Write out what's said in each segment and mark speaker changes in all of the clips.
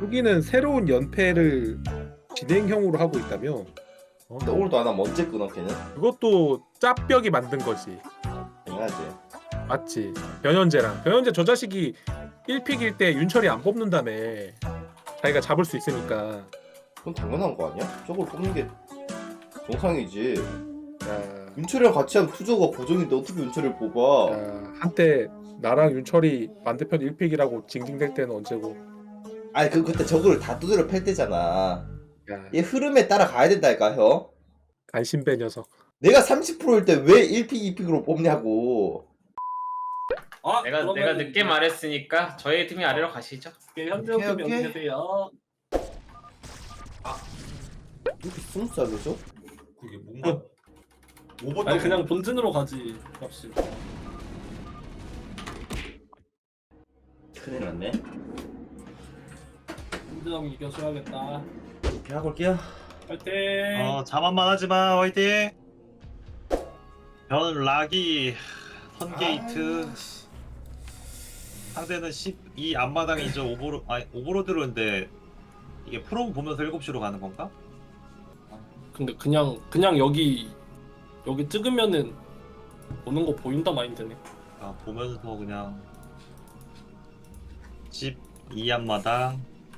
Speaker 1: 후기는 새로운 연패를 진행형으로 하고 있다며.
Speaker 2: 근데 오늘도 안 하면 언제 끊어 걔는?
Speaker 1: 그것도 짭벽이 만든 거지.
Speaker 2: 당연하지.
Speaker 1: 맞지. 변현재 저 자식이 1픽일 때 윤철이 안 뽑는다며. 자기가 잡을 수 있으니까.
Speaker 2: 그건 당연한 거 아니야? 저걸 뽑는 게 정상이지.
Speaker 1: 야,
Speaker 2: 윤철이랑 같이 하면 투저가 고정인데 어떻게 윤철이를 뽑아?
Speaker 1: 한때 나랑 윤철이 반대편 1픽이라고 징징댈 때는 언제고.
Speaker 2: 아니 그때 저거를 다 두드려 팰 때잖아.
Speaker 1: 야,
Speaker 2: 얘 흐름에 따라 가야 된다니까 형.
Speaker 1: 간신배 녀석.
Speaker 2: 내가 30%일 때 왜 1픽 2픽으로 뽑냐고.
Speaker 3: 내가 늦게 말했으니까 저희 팀이 아래로 가시죠.
Speaker 4: 현재 팀
Speaker 2: 오케이.
Speaker 4: 여기 계세요.
Speaker 2: 이렇게 스무스하게 줘?
Speaker 5: 그게 뭔가 오버
Speaker 4: 아니 그냥 본진으로 가지. 값이.
Speaker 2: 큰일 났네.
Speaker 4: 본진 이겨줘야겠다.
Speaker 2: 이렇게 하고 올게요.
Speaker 4: 파이팅.
Speaker 6: 자만만 하지마 화이팅. 변 락이 선게이트. 상대는 12 앞마당이죠. 오버로드로인데 이게 프롬 보면서 7시로 가는 건가?
Speaker 4: 근데 그냥 여기 찍으면은 오는 거 보인다 마인드네.
Speaker 6: 보면서 그냥 12 앞마당.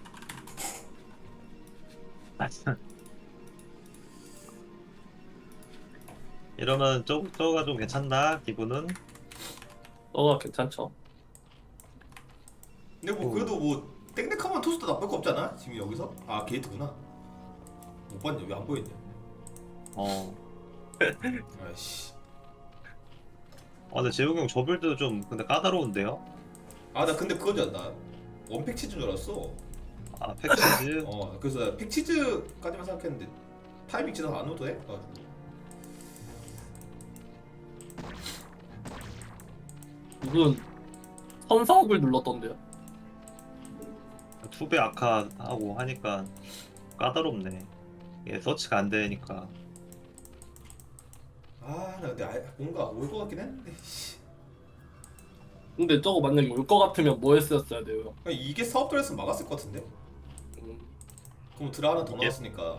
Speaker 6: 이러면 저거가 좀 괜찮나 기분은?
Speaker 4: 너가 괜찮죠?
Speaker 5: 근데 뭐 그래도 뭐 땡땡하면 토스도 나쁠 거 없잖아. 지금 여기서 게이트구나. 못 봤냐? 왜 안 보였냐? 아이씨.
Speaker 6: 근데 재웅이 형 저 빌드도 좀 근데 까다로운데요?
Speaker 5: 나 근데 그건 줄 알았나? 원팩 치즈인 줄 알았어.
Speaker 6: 팩치즈.
Speaker 5: 그래서 나 팩치즈까지만 생각했는데 타이밍 지나서 안 오도 해? 가지고.
Speaker 4: 무슨 선사업을 눌렀던데요?
Speaker 6: 2배 아카하고 하니까 까다롭네. 이게 서치가 안 되니까.
Speaker 5: 나 근데 뭔가 올 것 같긴 했는데. 씨.
Speaker 4: 근데 저거 만약에 올 거 같으면 뭐 했었어야 돼요?
Speaker 5: 그냥 이게 사업들 했으면 막았을 것 같은데? 그럼 드라 하나 더 나왔으니까.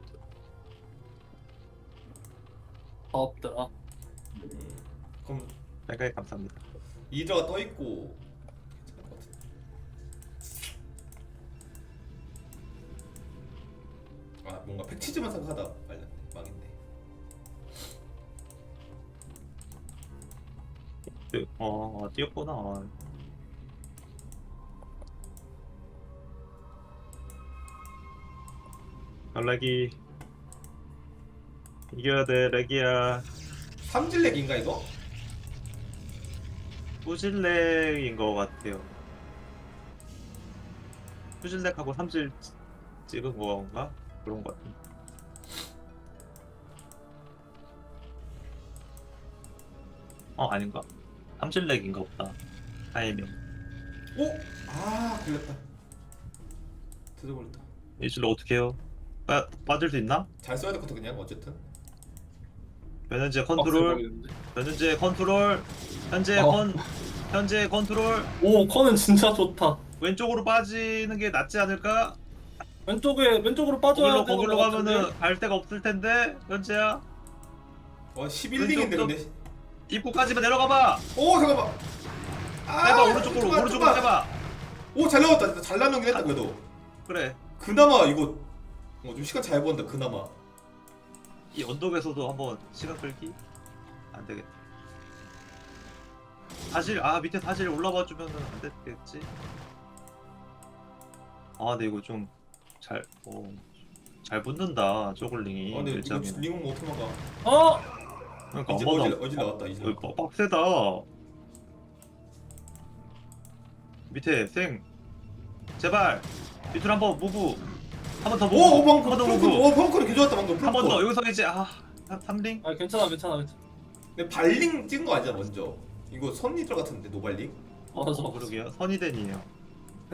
Speaker 4: 사업들아.
Speaker 5: 그럼
Speaker 6: 생각에 감사합니다.
Speaker 5: 이드라가 떠 있고 괜찮을 것 같은데. 뭔가 팩치즈만 생각하다 말렸네. 망했네.
Speaker 6: 뛰었구나. 연락이 이겨야 돼, 렉이야.
Speaker 5: 삼질렉인가 이거?
Speaker 6: 후질렉인 것 같아요. 후질렉하고 삼질 찍은 건가? 그런 것 같은데. 아닌가? 삼질렉인가 보다. 타이밍.
Speaker 5: 오! 걸렸다. 드어버렸다.
Speaker 6: 이질러 어떻게 해요? 빠질 수 있나?
Speaker 5: 잘 써야 될 것 같아 그냥 어쨌든.
Speaker 6: 변현재
Speaker 4: 빡세
Speaker 6: 컨트롤.
Speaker 4: 보이는데.
Speaker 6: 변현재 컨트롤. 현재 컨트롤.
Speaker 4: 오 커는 진짜 좋다.
Speaker 6: 왼쪽으로 빠지는 게 낫지 않을까?
Speaker 4: 왼쪽으로 빠져야
Speaker 6: 거길로 가면은 갈 데가 없을 텐데. 현재야.
Speaker 5: 11링인데 근데.
Speaker 6: 입구까지만 내려가봐.
Speaker 5: 오 잠깐만.
Speaker 6: 해봐 오른쪽으로 해봐.
Speaker 5: 오 잘 나왔다. 진짜 잘 나누긴 했다 그래도.
Speaker 6: 그래.
Speaker 5: 그나마 이거 좀 시간 잘 번다 그나마.
Speaker 6: 이 언덕에서도 한번 시간 끌기 안 되겠다. 밑에 사실 올라와 주면은 안 됐겠지. 근데 이거 좀 잘 붙는다 저글링이.
Speaker 5: 근데 이거
Speaker 6: 일장에.
Speaker 5: 링은 뭐 어떻게 막아?
Speaker 6: 그러니까
Speaker 5: 이제
Speaker 6: 한번
Speaker 5: 어질 나왔다 이제.
Speaker 6: 빡세다. 밑에 생 제발 밑으로 한번 무브 한 번 더 무브.
Speaker 5: 오
Speaker 6: 한 번 더 무브.
Speaker 5: 펑크는 개 좋았다 방금.
Speaker 6: 한 번 더 여기서 이제 3링.
Speaker 4: 괜찮아.
Speaker 5: 근데 발링 찍은 거 아니잖아 먼저. 이거 선이 들어갔는데 노발링.
Speaker 4: 맞아.
Speaker 6: 그러게요. 선이덴이에요.
Speaker 5: 네,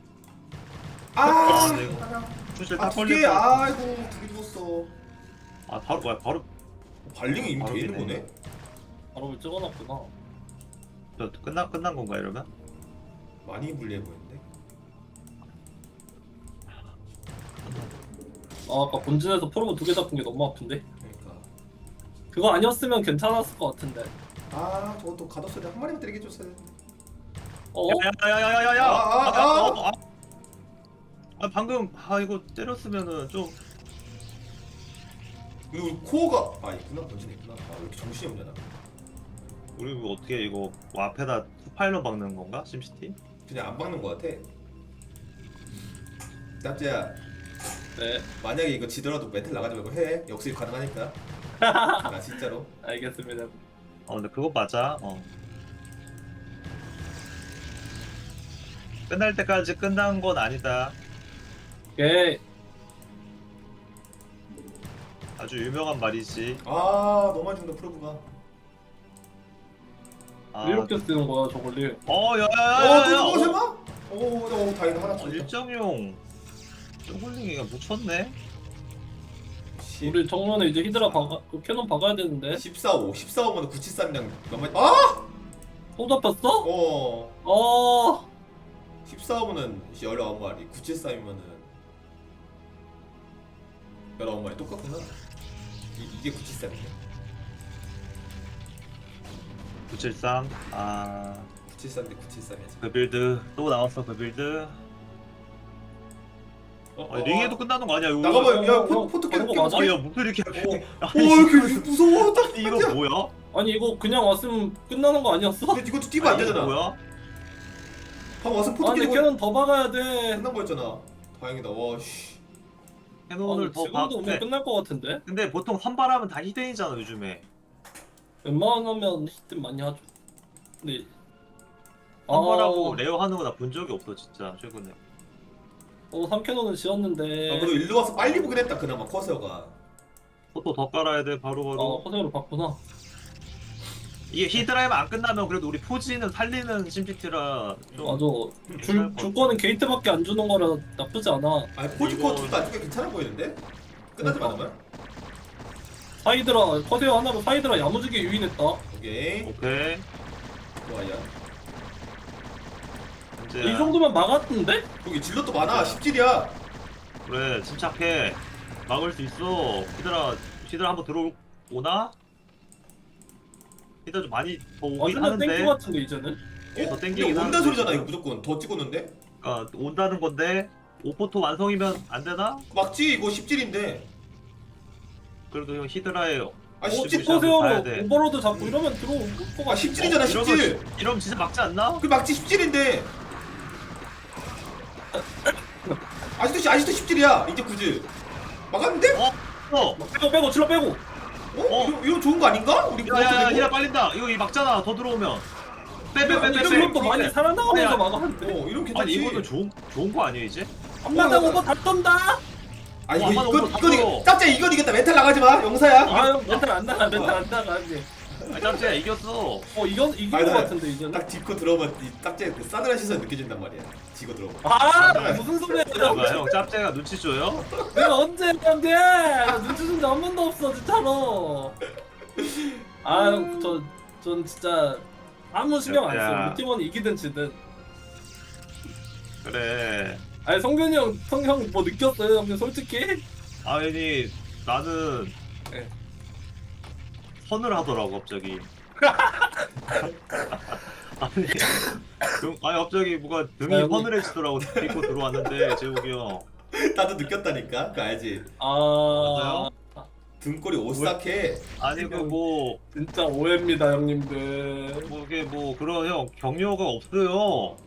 Speaker 6: 이거 출실 다
Speaker 5: 두 개.
Speaker 6: 걸렸다.
Speaker 5: 아이고 두 개 죽었어.
Speaker 6: 바로
Speaker 5: 발링이 이미
Speaker 6: 바로
Speaker 5: 돼 있는
Speaker 6: 되네.
Speaker 5: 거네.
Speaker 4: 바로 찍어놨구나.
Speaker 6: 끝난 건가 이러면?
Speaker 5: 많이 불리해 보이는데.
Speaker 4: 아까 본진에서 프로브 2개 잡은 게 너무 아픈데.
Speaker 5: 그러니까.
Speaker 4: 그거 아니었으면 괜찮았을 것 같은데.
Speaker 5: 아 저것도 가뒀어야 한 마리만 때리게 줬어야 돼.
Speaker 4: 어?
Speaker 6: 야야야야야야야.
Speaker 5: 아.
Speaker 6: 아 방금 이거 때렸으면은 좀
Speaker 5: 이거 코어가 있구나. 본진에 있구나. 왜 이렇게 정신이 없냐 나.
Speaker 6: 우리 이거 어떻게 이거 뭐 앞에다 스파일러 박는 건가 심시티?
Speaker 5: 그냥 안 박는 거 같아. 짭재야,
Speaker 4: 네,
Speaker 5: 만약에 이거 지더라도 멘탈 나가지 말고 해. 역습 가능하니까. 나 진짜로.
Speaker 4: 알겠습니다.
Speaker 6: 근데 그거 맞아. 끝날 때까지 끝난 건 아니다.
Speaker 4: 오케이.
Speaker 6: 아주 유명한 말이지.
Speaker 5: 너무 많이 죽는다 프로브가.
Speaker 4: 이렇게 쓰는 거야 저걸리.
Speaker 5: 또
Speaker 6: 야야야야야.
Speaker 5: 죽어 설마? 다행이다 하나 더.
Speaker 6: 일정용 쪼글링이가 묻혔네.
Speaker 4: 우리 정면에 이제 히드라 그 캐논 박아야 되는데.
Speaker 5: 14호 14호면 973이랑 몇 마리?
Speaker 4: 또 잡혔어?
Speaker 5: 14호면은 19마리, 973이면은 19마리 똑같구나. 이게 973이네.
Speaker 6: 973.
Speaker 5: 973대 973이야.
Speaker 6: 그 빌드 또 나왔어. 그 빌드. 링에도 끝나는 거 아니야 이거?
Speaker 5: 나가봐. 야
Speaker 4: 형,
Speaker 5: 포트
Speaker 4: 그런
Speaker 5: 깨.
Speaker 4: 거 맞아?
Speaker 6: 야 무슨 이렇게
Speaker 5: 이렇게 무서워.
Speaker 6: 이거 뭐야?
Speaker 4: 아니 이거 그냥 왔으면 끝나는 거 아니었어?
Speaker 5: 근데 이것도 뛰면 안
Speaker 6: 이거
Speaker 5: 되잖아.
Speaker 6: 뭐야?
Speaker 5: 방금 와서 포트
Speaker 4: 아니
Speaker 5: 깨고
Speaker 4: 캐논 더 박아야 돼.
Speaker 5: 끝난 거였잖아. 다행이다. 와 씨.
Speaker 6: 캐논을 더
Speaker 4: 지금도 오면
Speaker 6: 박네.
Speaker 4: 끝날 것 같은데?
Speaker 6: 근데 보통 선발하면 다 히든이잖아 요즘에.
Speaker 4: 웬만하면 히트 많이 하죠. 근데
Speaker 6: 선발하고 레어 하는 거 나 본 적이 없어 진짜 최근에.
Speaker 4: 3캐논은 지었는데
Speaker 5: 그래도 일로 와서 빨리 보긴 했다. 그나마 커서가.
Speaker 6: 포토 더 깔아야 돼 바로바로.
Speaker 4: 허세로 봤구나.
Speaker 6: 이게 히드라이만 안 끝나면 그래도 우리 포지는 살리는 심시티라 좀
Speaker 4: 맞아. 줄 거는 게이트밖에 안 주는 거라 나쁘지 않아.
Speaker 5: 포지코
Speaker 6: 이거-
Speaker 5: 둘다 아직도 괜찮아 보이는데? 끝나지
Speaker 4: 그러니까.
Speaker 5: 않으면?
Speaker 4: 사이드라 커세어 하나로 사이드라 야무지게 유인했다.
Speaker 5: 오케이.
Speaker 6: 오케이.
Speaker 5: 좋아요.
Speaker 6: 이제
Speaker 4: 이 정도면 막았던데?
Speaker 5: 여기 질럿도 많아. 10질이야.
Speaker 6: 그래 침착해. 막을 수 있어. 히드라 한번 들어오나? 히드라 좀 많이 더 오긴
Speaker 4: 완전 땡큐
Speaker 6: 하는데
Speaker 4: 같은데 이제는?
Speaker 6: 이게 더
Speaker 5: 이게
Speaker 6: 땡기긴
Speaker 5: 온다
Speaker 6: 하는데
Speaker 5: 소리잖아.
Speaker 6: 지금.
Speaker 5: 이거 무조건 더 찍었는데?
Speaker 6: 그러니까 온다는 건데 오포토 완성이면 안 되나?
Speaker 5: 막지 이거 10질인데.
Speaker 6: 그래도 형 히드라에
Speaker 5: 10질.
Speaker 6: 봐야
Speaker 4: 커세어로
Speaker 6: 돼.
Speaker 4: 오버로드 잡고 이러면 들어올 것 같아.
Speaker 5: 10질이잖아. 10질.
Speaker 6: 이러면 진짜 막지 않나?
Speaker 5: 그 막지 10질인데. 아직도 10질이야. 이제 9질. 막았는데?
Speaker 4: 빼고 질러 빼고.
Speaker 5: 이거 좋은 거 아닌가? 우리
Speaker 6: 야야야 히드라 빨린다. 이거 막잖아. 더 들어오면. 빼.
Speaker 4: 이런 것도 많이 살아나가면서 막았는데.
Speaker 5: 이런
Speaker 6: 아니
Speaker 5: 괜찮지.
Speaker 6: 이거는 좋은 거 아니에요 이제?
Speaker 4: 앞마당 오버 다 떤다.
Speaker 5: 아니
Speaker 6: 어, 한번 오버 다
Speaker 5: 이거 짭짜 이건 이겼다. 멘탈 나가지 마. 영사야.
Speaker 4: 아유 멘탈 안 나가 이제.
Speaker 6: 아 짭짤 이겼어.
Speaker 4: 이긴 것
Speaker 5: 아니,
Speaker 4: 같은데 이제는.
Speaker 5: 딱 짚고 들어오면 이 짭짜 그 싸늘한 시선 느껴진단 말이야. 지고 들어오면.
Speaker 4: 무슨 소리야?
Speaker 6: 뭐야 형 짭짤가 눈치 줘요?
Speaker 4: 내가 언제 했는데 눈치 준 적 한 번도 없어 진짜로. 전 진짜 아무 신경 안
Speaker 6: 야.
Speaker 4: 써. 우리 팀원이 이기든 지든.
Speaker 6: 그래.
Speaker 4: 아니 성균이 형 뭐 느꼈어요? 형님 솔직히?
Speaker 6: 아니 나는
Speaker 4: 네.
Speaker 6: 선을 하더라고 갑자기. 아니 갑자기 뭐가 등이
Speaker 4: 아이고.
Speaker 6: 서늘해지더라고 입고 들어왔는데 재욱이 형.
Speaker 5: 나도 느꼈다니까. 그거 알지?
Speaker 6: 맞아요?
Speaker 5: 등골이 오싹해.
Speaker 6: 아니 그뭐
Speaker 4: 진짜 오해입니다 형님들.
Speaker 6: 이게 뭐 그런 형 격려가 없어요.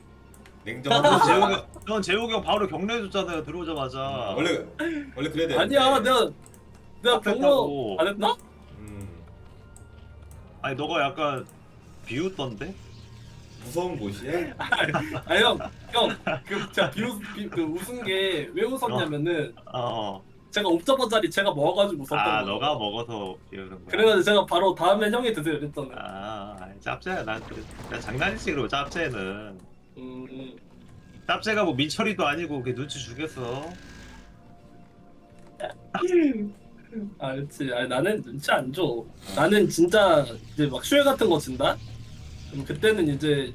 Speaker 5: 냉정하고.
Speaker 6: 넌 재욱이 형 바로 격려해줬잖아요 들어오자마자.
Speaker 5: 원래 그래야 돼.
Speaker 4: 아니야 내가 격려
Speaker 6: 앞에다고.
Speaker 4: 안 했나?
Speaker 6: 아니 너가 약간 비웃던데?
Speaker 5: 무서운 곳이야.
Speaker 4: 아니 형그 제가 그 웃은 게 왜 웃었냐면은 제가 옵저버 자리 제가 먹어가지고 웃었던 거예요.
Speaker 6: 너가 먹어서 비웃는 거야.
Speaker 4: 그래가지고 제가 바로 다음에 형이 드세요 이랬잖아요.
Speaker 6: 짭짤야 난 장난이지 그리고 짭짤는
Speaker 4: 음.
Speaker 6: 짭짤가 뭐 민철이도 아니고 그게 눈치 주겠어.
Speaker 4: 그렇지. 아니 나는 눈치 안 줘. 나는 진짜 이제 막 슈에 같은 거 진다. 그럼 그때는 이제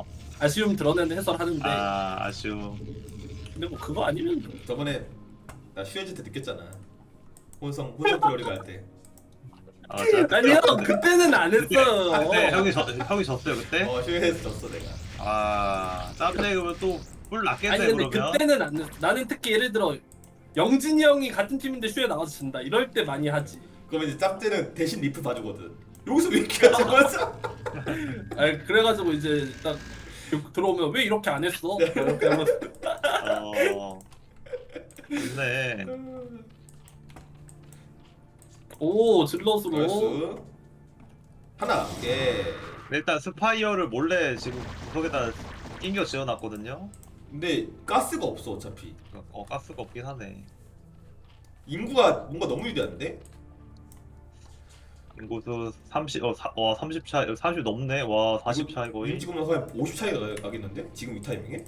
Speaker 4: 아쉬움 드러내는 해설하는데.
Speaker 6: 아쉬움.
Speaker 4: 근데 뭐 그거 아니면
Speaker 5: 저번에 나 슈에즈 때 느꼈잖아. 혼성 프로리가 할 때.
Speaker 4: 아니요 그때는 안 했어요.
Speaker 6: 네, 형이 졌어요 그때.
Speaker 5: 슈에즈 졌어 내가.
Speaker 6: 아 짭제 그러면 또뿔 났겠네
Speaker 4: 아니 근데
Speaker 6: 그러면.
Speaker 4: 그때는 안 했어. 나는 특히 예를 들어 영진이 형이 같은 팀인데 슈에 나가서 진다 이럴 때 많이 하지.
Speaker 5: 그러면 이제 짭제는 대신 리플 봐주거든. 여기서 왜 이렇게 하지? 그래서
Speaker 4: 아니 그래가지고 이제 딱 들어오면 왜 이렇게 안 했어? 이렇게 하면서
Speaker 6: 좋네.
Speaker 4: 오 질럿으로
Speaker 5: 나이스. 하나. 예.
Speaker 6: 일단 스파이어를 몰래 지금 구석에다 낑겨 지어놨거든요.
Speaker 5: 근데 가스가 없어 어차피.
Speaker 6: 가스가 없긴 하네.
Speaker 5: 인구가 뭔가 너무 유리한데?
Speaker 6: 인구수 30 차이 30 넘네. 와 40 차이 거의.
Speaker 5: 지금은 거의 50 차이가 나겠는데? 지금 이 타이밍에?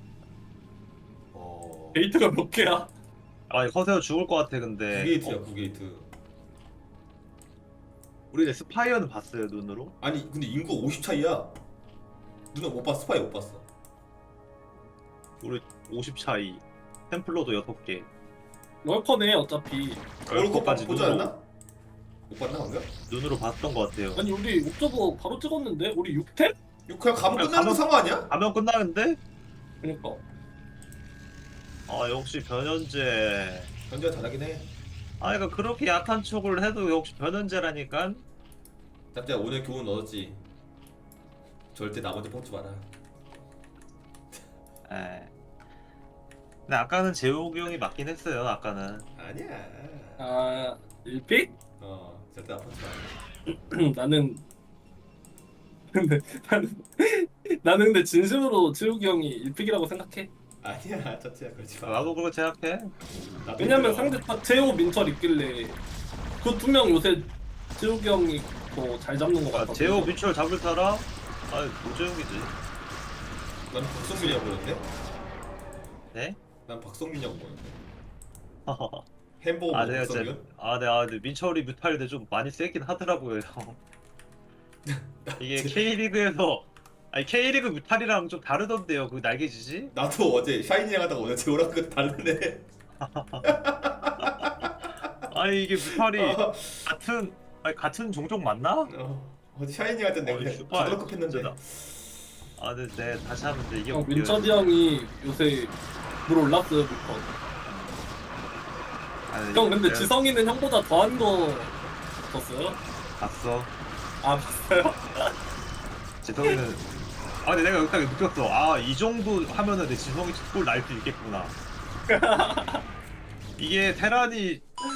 Speaker 4: 게이트가 몇 개야?
Speaker 6: 아니 커세어 죽을 것 같아 근데.
Speaker 5: 9게이트야 9게이트.
Speaker 6: 우리 이제 스파이어는 봤어요 눈으로.
Speaker 5: 아니 근데 인구가 50 차이야. 누나 못 봤어? 스파이 못 봤어.
Speaker 6: 우리 50 차이. 템플러도 6개.
Speaker 4: 럴커네 어차피.
Speaker 5: 월드컵까지 보지
Speaker 6: 눈으로.
Speaker 5: 않나? 못 봤나 방금?
Speaker 6: 눈으로 봤던 것 같아요.
Speaker 4: 아니 우리 옥저버 바로 찍었는데 우리 6템?
Speaker 5: 이거 그냥 가면
Speaker 6: 그냥
Speaker 5: 끝나는
Speaker 6: 가면-
Speaker 5: 상황 아니야?
Speaker 6: 가면 끝나는데?
Speaker 4: 그러니까
Speaker 6: 아 역시 변현재.
Speaker 5: 현재가 잘하긴 해.
Speaker 6: 아 그러니까 그렇게 약한 척을 해도 역시 변현재라니까.
Speaker 5: 짭짤 오늘 교훈 얻었지. 절대 나머지 뽑지 마라.
Speaker 6: 에. 근데 아까는 재욱이 형이 맞긴 했어요. 아까는.
Speaker 5: 아니야.
Speaker 4: 아 1픽?
Speaker 5: 절대 안 뽑지 마라.
Speaker 4: 나는 나는 근데 진심으로 지욱이 형이 1픽이라고 생각해.
Speaker 5: 아니야 짭짤 그러지 마.
Speaker 6: 나도 그렇게 생각해.
Speaker 5: 나도
Speaker 4: 왜냐면
Speaker 5: 힘들어.
Speaker 4: 상대 딱 재호 민철 있길래 그 두 명 요새 지욱이 형이 더 잘 잡는 것 같아.
Speaker 6: 재호 민철 잡을 사람? 아 노재욱이지.
Speaker 5: 난 박성민이라고 보는데?
Speaker 6: 네?
Speaker 5: 난 박성민이라고 보는데. 햄버거
Speaker 6: 아
Speaker 5: 먹는
Speaker 6: 내가 진짜
Speaker 5: 박성민?
Speaker 6: 근데 민철이 뮤탈인데 좀 많이 세긴 하더라고요. 형. 이게 K리그에서 아니 K리그 뮤탈이랑 좀 다르던데요. 그 날개짓이?
Speaker 5: 나도 어제 샤이니랑 하다가 오늘 재호랑 그 다르네.
Speaker 6: 아니 이게 뮤탈이 같은 종족 맞나?
Speaker 5: 어제 샤이니 할 때 내가 그냥
Speaker 6: 슈퍼
Speaker 5: 가도록 했는데.
Speaker 6: 진짜다. 아 근데 내가 다시 하면 돼 이게
Speaker 4: 형
Speaker 6: 웃겨요.
Speaker 4: 민철이 형이 요새 물 올랐어요 부터.
Speaker 6: 아니,
Speaker 4: 형 근데
Speaker 6: 내가
Speaker 4: 지성이는 형보다 더한 거 봤어요?
Speaker 6: 봤어.
Speaker 4: 아 봤어요?
Speaker 6: 지성이는 근데 내가 딱 느꼈어. 아 이 정도 하면은 내 지성이 골 날 수 있겠구나. 이게 테란이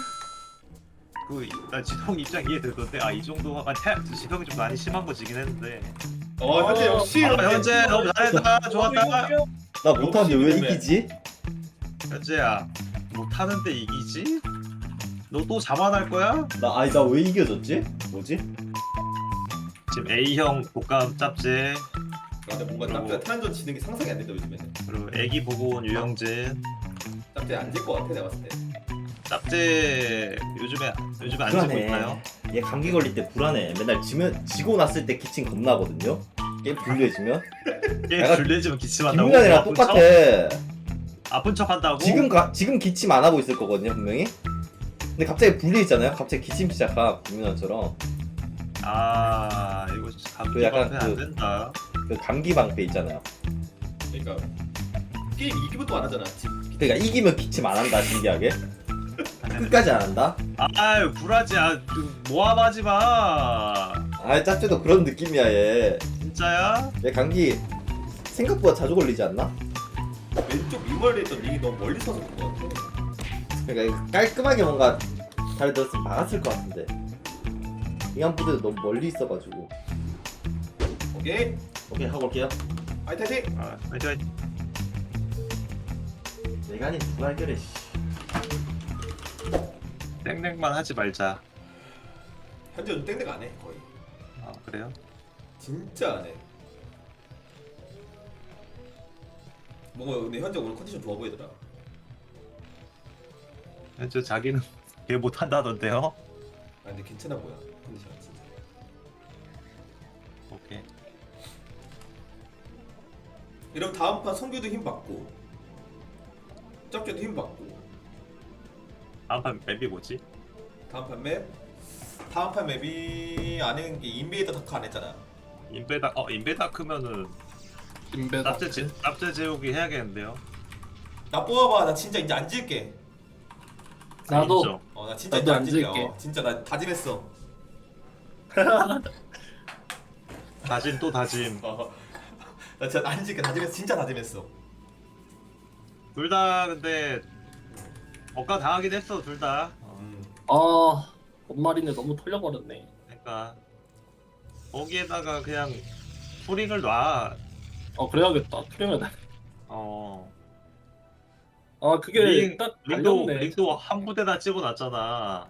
Speaker 6: 나 지성 입장 이해되던데 이 정도 하면 지성이 좀 많이 심한 거지긴 했는데.
Speaker 5: 현재 역시
Speaker 6: 현재 너무 잘했다. 좋았다.
Speaker 2: 나 못하는데 왜
Speaker 5: 욕심이네.
Speaker 2: 이기지?
Speaker 6: 현재야 못하는데 이기지? 너 또 자만할 거야?
Speaker 2: 나 왜 이겨졌지? 뭐지?
Speaker 6: 지금 A형 독감 짭제
Speaker 5: 근데 뭔가 짭짤 테란전 지는 게 상상이 안 된다 요즘에는.
Speaker 6: 그리고 애기 보고 온 유영진
Speaker 5: 짭짤 안질 것 같아 내가 봤을 때.
Speaker 6: 짭제 요즘에 안 지고 있나요?
Speaker 2: 얘 감기 걸릴 때 불안해. 맨날 지고 났을 때 기침 겁나거든요. 게임 불리해지면.
Speaker 6: 게임
Speaker 2: 내가
Speaker 6: 줄리지면 기침한다고?
Speaker 2: 김민환이랑
Speaker 6: 아픈
Speaker 2: 똑같아.
Speaker 6: 척? 아픈 척 한다고?
Speaker 2: 지금 기침 안 하고 있을 거거든요 분명히. 근데 갑자기 불리했잖아요. 갑자기 기침 시작함 김민환처럼.
Speaker 6: 이거 진짜
Speaker 2: 그 약간
Speaker 6: 감기 안 된다.
Speaker 2: 그 감기 방패 있잖아요.
Speaker 5: 그러니까 게임 이기면 또 안 하잖아.
Speaker 2: 그러니까 이기면 기침 안 한다 신기하게. 끝까지 안 한다.
Speaker 6: 아유 불하지. 모함하지 마.
Speaker 2: 짭짤도 그런 느낌이야 얘.
Speaker 6: 진짜야?
Speaker 2: 얘 감기 생각보다 자주 걸리지 않나?
Speaker 5: 왼쪽 미멀에 있던 링이 너무 멀리 서서 그런 것 같아.
Speaker 2: 그러니까 깔끔하게 뭔가 잘 들었으면 막았을 것 같은데 이한부대도 너무 멀리 있어가지고.
Speaker 5: 오케이
Speaker 2: 하고 올게요.
Speaker 5: 화이팅!
Speaker 6: 화이팅.
Speaker 2: 내가 아닌 누가 해결해.
Speaker 6: 땡땡만 하지 말자.
Speaker 5: 현재 요즘 땡땡 안 해 거의.
Speaker 6: 그래요?
Speaker 5: 진짜 안 해. 뭔가 근데 현재 오늘 컨디션 좋아 보이더라.
Speaker 6: 저 자기는 개 못한다던데요?
Speaker 5: 근데 괜찮아 보여 컨디션 진짜.
Speaker 6: 오케이.
Speaker 5: 이러면 다음 판 성규도 힘 받고 짭짤도 힘 받고
Speaker 6: 다음 판 맵이 뭐지?
Speaker 5: 다음 판 맵? 다음 판 맵이 아는 게 인베이더 다크 안 했잖아.
Speaker 6: 인베다크면은
Speaker 4: 인베다.
Speaker 6: 짭제 제우기 해야겠는데요.
Speaker 5: 나 뽑아봐. 나 진짜 이제 안 질게.
Speaker 4: 나도.
Speaker 6: 인정.
Speaker 5: 나 진짜
Speaker 4: 나도
Speaker 5: 이제 안
Speaker 4: 안
Speaker 5: 질게.
Speaker 4: 질게.
Speaker 5: 진짜 나 다짐했어.
Speaker 6: 다짐 또 다짐.
Speaker 5: 나 진짜 안 질게. 다짐했어. 진짜 다짐했어.
Speaker 6: 둘 다 근데 억까 당하긴 했어 둘 다.
Speaker 4: 아, 엄마리네 너무 털려버렸네.
Speaker 6: 그러니까 거기에다가 그냥 풀링을 놔.
Speaker 4: 그래야겠다. 투명해.
Speaker 6: 어.
Speaker 4: 아, 그게
Speaker 6: 링,
Speaker 4: 딱
Speaker 6: 링도
Speaker 4: 갈렸네.
Speaker 6: 링도 한 부대다 찍어놨잖아.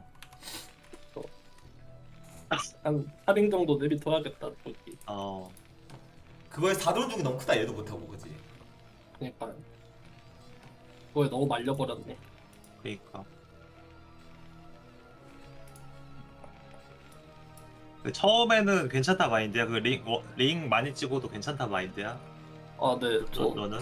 Speaker 4: 한 8인 정도 내비둬야겠다. 거기.
Speaker 6: 어.
Speaker 5: 그거에서 다돈 중이 너무 크다. 얘도 못하고 그지.
Speaker 4: 그러니까 그거에 너무 말려버렸네.
Speaker 6: 그러니까. 그 처음에는 괜찮다 마인드야. 그 링 많이 찍어도 괜찮다 마인드야.
Speaker 4: 아, 네.
Speaker 6: 너는?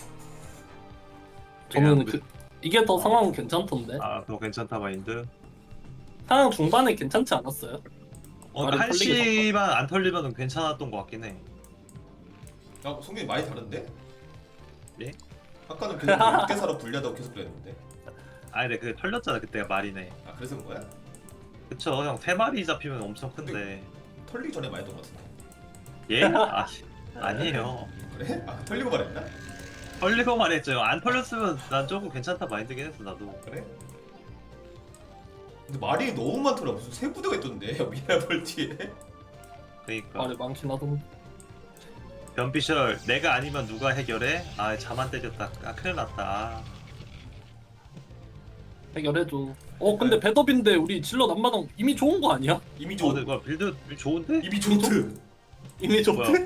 Speaker 4: 저는
Speaker 6: 그냥
Speaker 4: 이게 더 상황은 괜찮던데.
Speaker 6: 더 괜찮다 마인드.
Speaker 4: 상황 중반에 괜찮지 않았어요? 말이
Speaker 6: 한시만 안 털리면 괜찮았던 것 같긴 해.
Speaker 5: 야, 성균이 많이 다른데?
Speaker 6: 예?
Speaker 5: 아까는 계속 6대4로 불리하다고 계속 그랬는데.
Speaker 6: 아니 근데 그 털렸잖아 그때가 말이네.
Speaker 5: 아, 그래서 그런 거야?
Speaker 6: 그쵸 형 3마리 잡히면 엄청 큰데.
Speaker 5: 털리기 전에 말했던 것 같은데.
Speaker 6: 예? 아니에요.
Speaker 5: 그래? 털리고 말했나?
Speaker 6: 털리고 말했죠 형. 안 털렸으면 난 조금 괜찮다 마인드긴 했어 나도.
Speaker 5: 그래? 근데 말이 너무 많더라. 무슨 세 부대가 있던데. 미라볼 뒤에.
Speaker 6: 그러니까
Speaker 4: 말이 많긴 하던데.
Speaker 6: 변피셜 내가 아니면 누가 해결해? 자만 때렸다. 큰일 났다.
Speaker 4: 해결해줘. 근데 배더빈데 우리 질럿 안마당 이미 좋은 거 아니야?
Speaker 5: 이미
Speaker 6: 근데 뭐야 빌드 좋은데?
Speaker 5: 이미 좋트.
Speaker 4: 이미 좋대?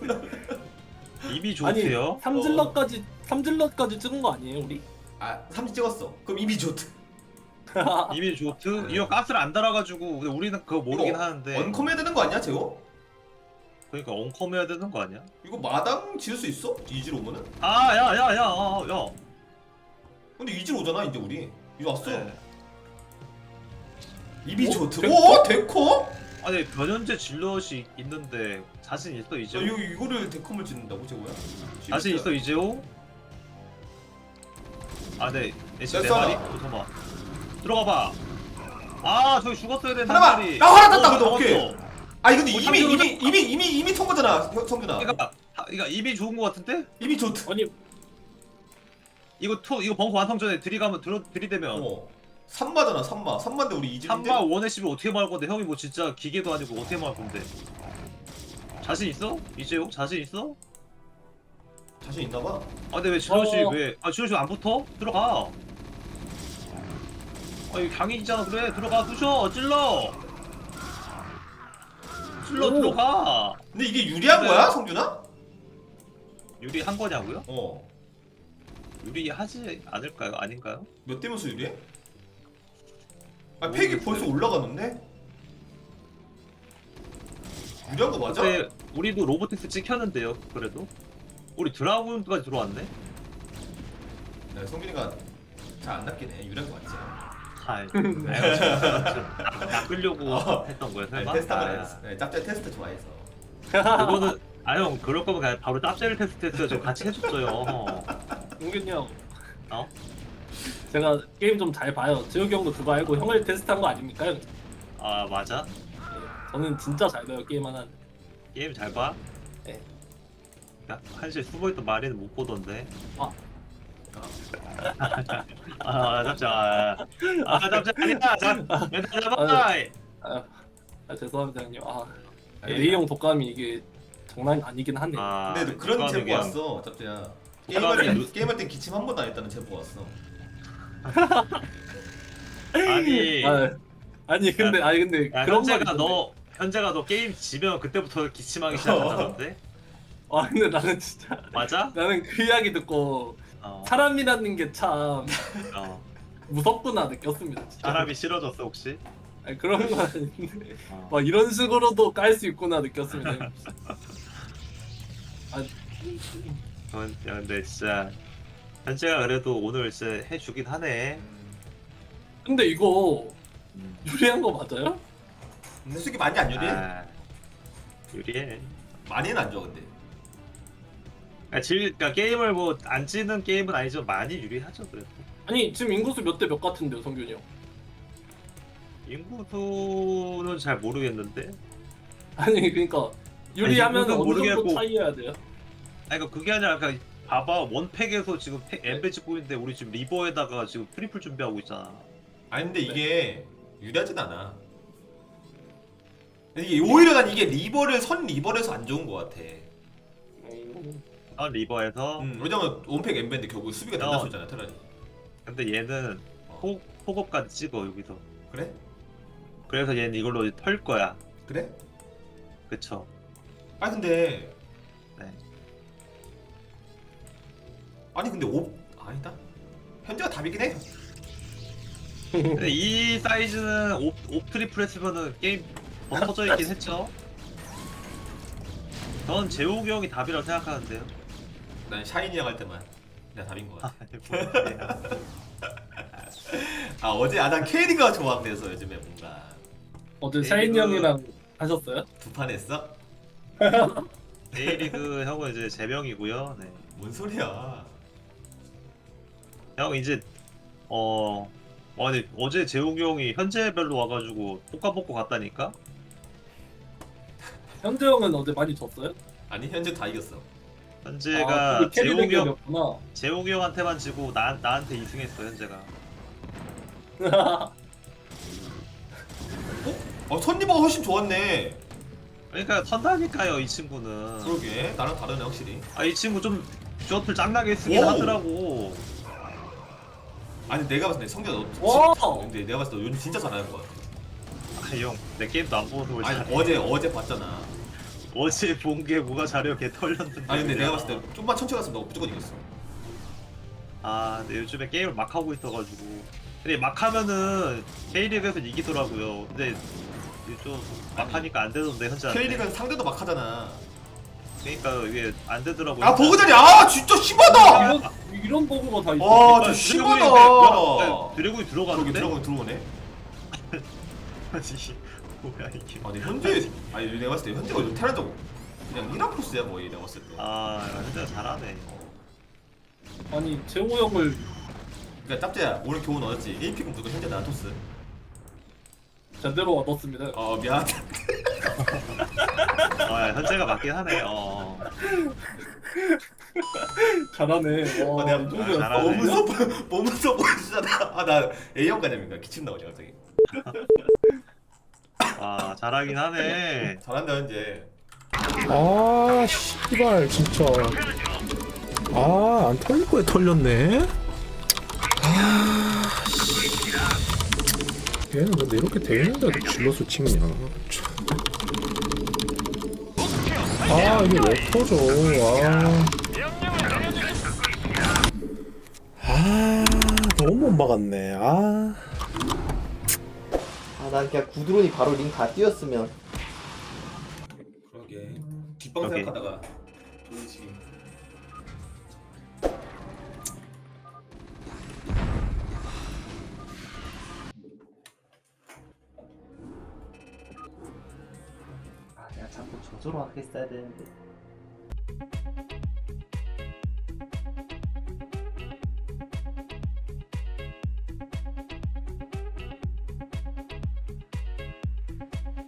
Speaker 6: 이미
Speaker 4: 아니
Speaker 6: 좋대요?
Speaker 4: 3질럿까지 찍은 거 아니에요 우리?
Speaker 5: 삼진 찍었어. 그럼 이미 좋트.
Speaker 6: 이미 좋트? 이거 가스를 안 달아가지고 근데 우리는 그거 모르긴
Speaker 5: 이거
Speaker 6: 하는데.
Speaker 5: 원컴 해야 되는 거 아니야, 제호?
Speaker 6: 그러니까 온컴 해야 되는 거 아니야?
Speaker 5: 이거 마당 지을 수 있어? 이지로 오면은?
Speaker 6: 야.
Speaker 5: 근데 이지로 오잖아, 이제 우리. 이거 왔어.
Speaker 6: 네.
Speaker 5: 이미 좋트.
Speaker 4: 데코?
Speaker 5: 오, 데코?
Speaker 6: 아니 변현재 질럿이 있는데 자신 있어 이재호?
Speaker 5: 이거를 데컴을 짓는다고, 제호야?
Speaker 6: 자신 있어 이재호? 네. 지금 내
Speaker 5: 됐어.
Speaker 6: 말이? 잠깐만. 들어가 봐. 저기 죽었어야 되는
Speaker 5: 하나만!
Speaker 6: 말이.
Speaker 5: 나 하나 땄다, 근데
Speaker 6: 잡았어.
Speaker 5: 오케이. 근데 이미 턴 거잖아, 성균아.
Speaker 6: 그러니까 이미 좋은 거 같은데?
Speaker 5: 이미 좋트.
Speaker 4: 아니
Speaker 6: 이거 벙커 완성 전에 들이대면
Speaker 5: 3마잖아, 3마인데 우리 이질인데.
Speaker 6: 3마 원해시면 어떻게 말 건데 형이 뭐 진짜 기계도 아니고 어떻게 말 건데? 자신 있어? 이재호 자신 있어?
Speaker 5: 자신 있나 봐.
Speaker 6: 근데 왜 질럿이
Speaker 4: 어.
Speaker 6: 질럿이 안 붙어? 들어가. 이거 강인이잖아. 그래 들어가 부셔 찔러
Speaker 4: 오.
Speaker 6: 들어가.
Speaker 5: 근데 이게 유리한
Speaker 6: 네.
Speaker 5: 거야, 성균아?
Speaker 6: 유리한 거냐고요? 유리하지 않을까요? 아닌가요?
Speaker 5: 몇 대면서 유리해? 팩이 벌써 올라가는데? 유리한 거 맞아?
Speaker 6: 근데 우리도 로보틱스 찍혔는데요. 그래도 우리 드라군까지 들어왔네.
Speaker 5: 네, 성균이가 잘 안 낚이네. 유리한 거 맞지?
Speaker 6: 낚으려고 했던 거야 설마?
Speaker 5: 테스트 한번 했어. 네, 짭짤 테스트 좋아해서.
Speaker 6: 그거는 형 그럴 거면 그냥 바로 짭제를 테스트했어요. 저 같이 해줬어요.
Speaker 4: 용균이 형.
Speaker 6: 어?
Speaker 4: 제가 게임 좀 잘 봐요. 재욱이 형도 그거 알고 형을 테스트한 거 아닙니까? 형?
Speaker 6: 맞아?
Speaker 4: 저는 진짜 잘 봐요 게임 하나.
Speaker 6: 게임 잘 봐?
Speaker 4: 네.
Speaker 6: 야, 한시에 숨어있던 마리는 못 보던데. 잡자. 잡자. 아니다. 멘탈 잡아.
Speaker 4: 죄송합니다 형님. 레이 형 독감이 이게 장난 아니긴 하네.
Speaker 5: 근데 그런 제보
Speaker 6: 그냥-
Speaker 5: 왔어, 짭짤야.
Speaker 6: 그냥-
Speaker 5: 게임할 땐 기침 한 번도 안 했다는 제보 왔어.
Speaker 6: 아니.
Speaker 4: 아니 근데
Speaker 6: 야,
Speaker 4: 그런 말
Speaker 6: 현재가 너 게임 지면 그때부터 기침하기 시작한다던데?
Speaker 4: 근데 나는 진짜
Speaker 6: 맞아?
Speaker 4: 나는 그 이야기 듣고
Speaker 6: 어.
Speaker 4: 사람이라는 게 참
Speaker 6: 어.
Speaker 4: 무섭구나 느꼈습니다. 진짜.
Speaker 6: 사람이 싫어졌어 혹시?
Speaker 4: 그런 건 아닌데
Speaker 6: 어.
Speaker 4: 막 이런 식으로도 깔 수 있구나 느꼈습니다.
Speaker 6: 근데 진짜 현재가 그래도 오늘 진짜 해주긴 하네.
Speaker 4: 근데 이거
Speaker 6: 음.
Speaker 4: 유리한 거 맞아요?
Speaker 5: 근데 솔직히 많이 안 유리해.
Speaker 6: 아, 유리해.
Speaker 5: 많이는 안 줘 근데.
Speaker 6: 그러니까 게임을 뭐 안 찌는 게임은 아니지만 많이 유리하죠 그래도.
Speaker 4: 아니 지금 인구수 몇 대 몇 같은데요, 성균이 형?
Speaker 6: 인구수는 잘 모르겠는데.
Speaker 4: 아니 그러니까 유리하면
Speaker 6: 인구는
Speaker 4: 어느 정도
Speaker 6: 모르겠고.
Speaker 4: 차이해야 돼요?
Speaker 6: 아니 그러니까 그게 아니라 그러니까 봐봐 원팩에서 지금 엠베 찍고 있는데 우리 지금 리버에다가 지금 트리플 준비하고 있잖아.
Speaker 5: 아니 근데 이게 유리하진 않아. 이게 오히려 난 이게 리버를 선 리버에서 안 좋은 것 같아.
Speaker 6: 리버에서.
Speaker 5: 왜냐면 원팩 엠베인데 결국 수비가 된다
Speaker 6: 어.
Speaker 5: 소리잖아 테란이.
Speaker 6: 근데 얘는
Speaker 5: 어.
Speaker 6: 폭업까지 찍어 여기서.
Speaker 5: 그래?
Speaker 6: 그래서 얘는 이걸로 털 거야.
Speaker 5: 그래?
Speaker 6: 그쵸?
Speaker 5: 아니 근데
Speaker 6: 네.
Speaker 5: 아니 근데 아니다. 현재가 답이긴 해.
Speaker 6: 근데 이 사이즈는 옵 트리플 했으면은 게임 더 터져 있긴 했죠. 전 재욱이 형이 답이라고 생각하는데요.
Speaker 5: 난 샤이니 형 할 때만 내가 답인 것 같아. 아 어제 난 K리그가 좋아돼서 요즘에 뭔가
Speaker 4: 어제
Speaker 6: 네,
Speaker 4: 샤인
Speaker 6: 이거-
Speaker 4: 형이랑 하셨어요?
Speaker 5: 두 판 했어?
Speaker 6: A리그 형은 이제 제명이고요. 네.
Speaker 5: 뭔 소리야?
Speaker 6: 형 이제 아니 어제 재욱이 형이 현재별로 와가지고 볶아 먹고 갔다니까.
Speaker 4: 현재 형은 어제 많이 졌어요?
Speaker 5: 아니 현재 다 이겼어.
Speaker 6: 현재가
Speaker 4: 그게 캐리
Speaker 6: 재욱이 형
Speaker 4: 대결이었구나.
Speaker 6: 재욱이 형한테만 지고 나한테 2승했어 현재가.
Speaker 5: 선리버가 훨씬 좋았네.
Speaker 6: 그러니까 선다니까요 이 친구는.
Speaker 5: 그러게 나랑 다르네 확실히.
Speaker 6: 이 친구 좀 셔틀 짱나게 쓰긴
Speaker 5: 오!
Speaker 6: 하더라고.
Speaker 5: 아니 내가 봤을 때 성규야
Speaker 4: 와!
Speaker 5: 너 근데 내가 봤을 때 너 요즘 진짜 잘하는 것 같아.
Speaker 6: 형 내 게임도 안 보고 그걸
Speaker 5: 아니
Speaker 6: 잘해.
Speaker 5: 어제 봤잖아.
Speaker 6: 어제 본 게 뭐가 잘해요 개 털렸는데.
Speaker 5: 아니 근데 내가
Speaker 6: 그냥.
Speaker 5: 봤을 때 좀만 천천히 갔으면 너 무조건 이겼어.
Speaker 6: 근데 요즘에 게임을 막 하고 있어가지고. 근데 막 하면은 K리그에서 이기더라고요. 근데 이게 좀 막 하니까 안 되던데 현재한테.
Speaker 5: K리그는 상대도 막 하잖아.
Speaker 6: 그러니까 이게 안 되더라고요.
Speaker 5: 아 버그자리 아 진짜 심하다.
Speaker 4: 이런 버그가 다 있어.
Speaker 5: 와,
Speaker 6: 그러니까
Speaker 5: 저
Speaker 6: 드래곤이
Speaker 5: 심하다.
Speaker 6: 드래곤이
Speaker 5: 저기
Speaker 6: 들어가는데?
Speaker 5: 들어오네 들어오네.
Speaker 6: 아니 뭐야 이게.
Speaker 5: 아니 현재 아니 내가 봤을 때 현재가 요즘 테란적 그냥 1앞코스야 거의 내가 봤을 때.
Speaker 6: 현재가 잘하네.
Speaker 4: 아니 재호 형을
Speaker 5: 그러니까 짭재야 오늘 교훈 얻었지. 1픽은 무조건 현재 나토스.
Speaker 4: 제대로 얻었습니다.
Speaker 5: 미안.
Speaker 6: 현재가 맞긴 하네.
Speaker 4: 잘하네. 와,
Speaker 5: 내가
Speaker 4: 이 정도였어.
Speaker 6: 잘하네.
Speaker 5: 몸은 써 보이시잖아. 나 A형 가냐니까 기침 나오냐 갑자기.
Speaker 6: 잘하긴 하네.
Speaker 5: 잘한다 현재.
Speaker 1: 아 씨발 진짜 안 털릴 거에 털렸네. 얘는 근데 이렇게 돼 있는데도 질러서 찍냐. 이게 왜 터져. 너무 못 막았네.
Speaker 2: 난 그냥 구드론이 바로 링 다 띄었으면.
Speaker 5: 그러게. 뒷방
Speaker 6: 오케이.
Speaker 5: 생각하다가 돌리지.
Speaker 2: 내가 자꾸 저조로 하게 써야 되는데.